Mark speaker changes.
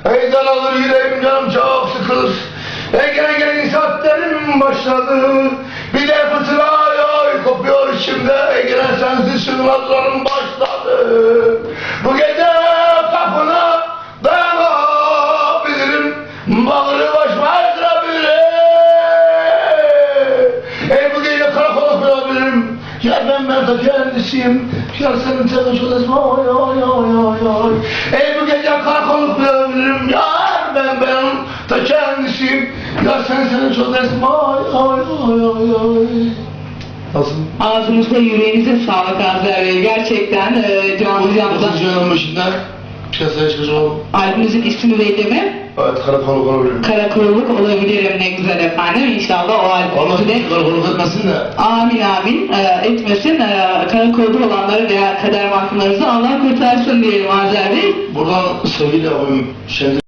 Speaker 1: Eydan alır yüreğim, canım çok sıkılır. Gene saatlerim başladı. Bir de fırtına kopuyor içimde. Gene sensiz sığınaklarım başladı. Bu gece kapına dayanabilirim. Bağrı başıma kırabilirim. Bu gece karakola koyabilirim. Ya ben de kendisiyim. Ya senin temiz odası. Oy oy oy oy oy. Bu gece karakola koyabilirim. Ya ben da kendisiyim. Ya senin odası. Oy oy oy oy oy. Nasıl?
Speaker 2: Ağzınıza yüreğinize sağlık Azer Bey. Gerçekten Can Hocam'dan.
Speaker 1: 9. yılın başında piyasaya çıkacağım.
Speaker 2: Albümümüzün ismi neydi mi?
Speaker 1: Evet, karakolluk olabilirim.
Speaker 2: Karakolluk olabilirim, ne güzel efendim. İnşallah o albümümüzü de...
Speaker 1: Karakolluk etmesin de.
Speaker 2: Amin amin etmesin. Karakolda olanları veya kader mahkumlarınızı Allah kurtarsın diyelim Azer Bey.
Speaker 1: Buradan sevgili abim Şenli